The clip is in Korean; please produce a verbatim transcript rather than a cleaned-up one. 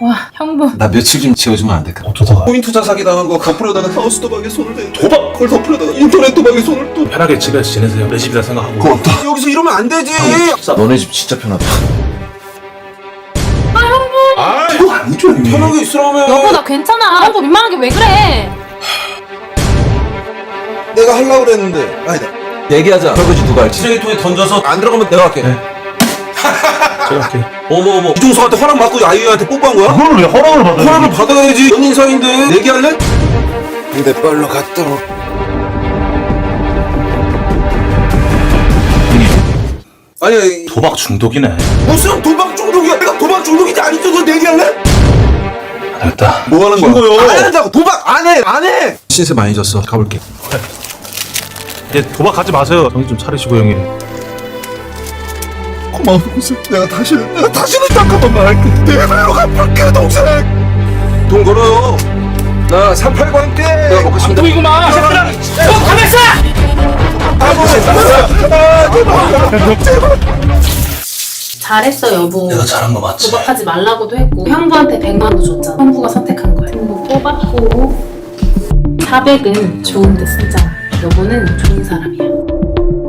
와, 형부. 나 며칠 좀 지워주면 안 될까? 어쩌다가 코인 투자 사기 당한 거 덮으려다가 하우스 도박에 손을 대 도박! 그걸 덮으려다가 인터넷 도박에 손을 또 편하게 집에서 지내세요. 내 집이라 생각하고. 고맙다. 여기서 이러면 안 되지. 너네 집 진짜 편하다. 아, 이거 아니죠, 형님. 편하게 있으라며. 여보, 나 괜찮아. 형부 민망하게 왜 그래? 내가 하려고 그랬는데. 아니다. 얘기하자. 설거지 누가 할지. 쓰레기통에 던져서 안 들어가면 내가 할게. 네. 제가 할게요. 어머 어머. 이종석한테 허락 받고 아이유한테 뽀뽀한 거야? 그걸 왜 허락을 받아요? 허락을 받아야지. 연인 사이인데 내기할래? 근데 빨로 갔다 오. 아니, 아니 도박 중독이네. 무슨 도박 중독이야? 내가 도박 중독인지 아닌지 너 내기할래? 됐다. 뭐 하는 거야? 친구요. 안 한다고. 도박 안 해. 안 해. 신세 많이 졌어. 가볼게. 이제 도박하지 마세요. 정신 좀 차리시고 형님. 고마워 동생. 내가 다시는 내가 다시는 딱 한 번만 할게. 내가 나로 갚을게 동생. 돈 걸어요. 나 삼팔과 함께. 내가 먹겠습니다. 보이구만. 너 가만있어! 잘했어, 여보. 내가 잘한 거 맞지? 도박하지 말라고도 했고 형부한테 백만 원도 줬잖아. 형부가 선택한 거야. 형부 뽑았고 사백은 좋은 데 쓰자. 여보는 좋은 사람.